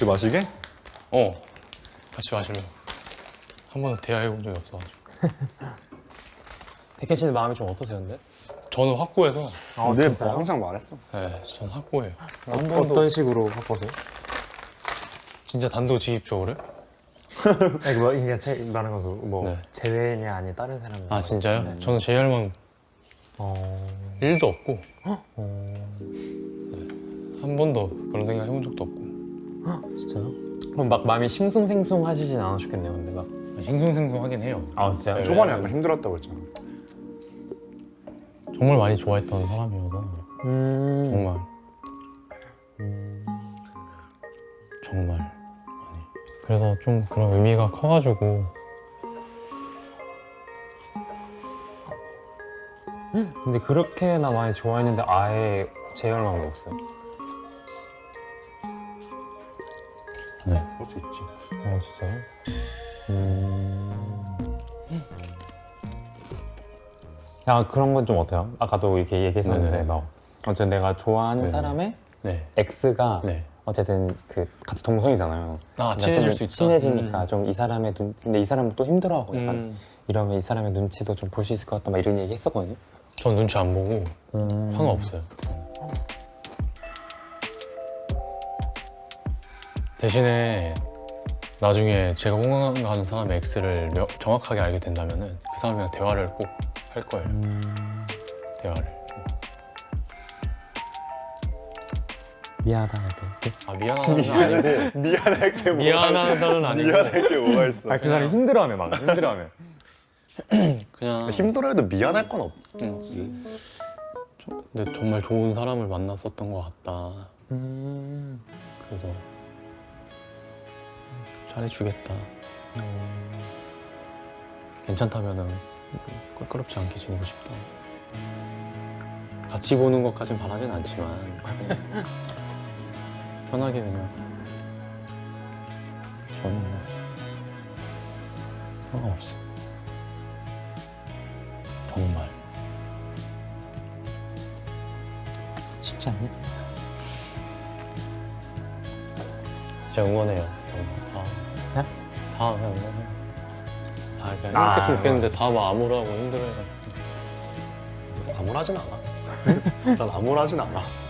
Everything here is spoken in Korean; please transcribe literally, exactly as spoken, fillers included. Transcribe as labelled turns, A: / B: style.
A: 같이 마시게?
B: 어 같이 마시려고. 한 번도 대화해본 적이 없어가지고.
C: 백현 씨는 마음이 좀 어떠세요, 근데?
B: 저는 확고해서.
C: 아,
A: 근데
C: 진짜요?
A: 항상 말했어.
B: 네, 전 확고해요.
C: 어, 어떤 식으로 바꿔서요?
B: 진짜 단도직입적으로.
C: 아니, 뭐, 그냥 제 말하는 거, 뭐,
B: 네.
C: 제외냐, 아니 다른 사람.
B: 아 진짜요? 저는 제열만
C: 어.
B: 일도 없고
C: 어.
B: 한 번도 그런 생각 해본 적도 없고.
C: 진짜요? 그럼 막 마음이 싱숭생숭 하시진 않으셨겠네요, 근데 막.
B: 싱숭생숭하긴 해요.
C: 아, 진짜요?
B: 네.
A: 초반에 약간 힘들었다고 했잖아.
B: 정말 많이 좋아했던 사람이어서
C: 음.
B: 정말
C: 음.
B: 정말 많이. 그래서 좀 그런 의미가 커가지고.
C: 근데 그렇게나 많이 좋아했는데 아예 제열만 먹었어요?
B: 네.
A: 그럴 수 있지.
C: 어, 진짜요? 음. 야, 그런 건 좀 어때요? 아까도 이렇게 얘기했었는데
B: 네네.
C: 막 어쨌든 내가 좋아하는
B: 네네.
C: 사람의
B: 네.
C: X가
B: 네.
C: 어쨌든 그 같은 동성이잖아요.
B: 아
C: 그러니까
B: 친해질
C: 좀
B: 수 있다.
C: 친해지니까
B: 음.
C: 좀 이 사람의 눈 근데 이 사람은 또 힘들어하고 약간
B: 음.
C: 이러면 이 사람의 눈치도 좀 볼 수 있을 것 같다 막 이런 얘기 했었거든요.
B: 전 눈치 안 보고
C: 음.
B: 상관없어요. 대신에 나중에 제가 호감가는 사람의 X를 명- 정확하게 알게 된다면은 그 사람이랑 대화를 꼭 할 거예요.
C: 음.
B: 대화를.
C: 미안하다 이렇게.
B: 아 미안하다는 아니고
A: 미안할 게 뭐가
B: 미안하다는 아니고
A: 미안할 게 뭐가 있어.
C: 아, 그 사람이 힘들어하네 막 힘들어하네.
B: 그냥
A: 힘들어해도 미안할 건
B: 음.
A: 없지.
B: 근데 정말 좋은 사람을 만났었던 것 같다.
C: 음.
B: 그래서 잘해주겠다. 괜찮다면은 껄끄럽지 않게 지내고 싶다. 같이 보는 것까진 바라진 않지만 편하게 그냥 저는 뭐 상관없어. 정말
C: 쉽지 않네.
B: 진짜 응원해요. 정말 다.
C: 네?
B: 다 그냥 응원해. 다 그냥
C: 아,
B: 행복했으면 좋겠는데 다 막 암울하고 힘들어해가지고.
A: 암울하진 않아. 난 암울하진 않아.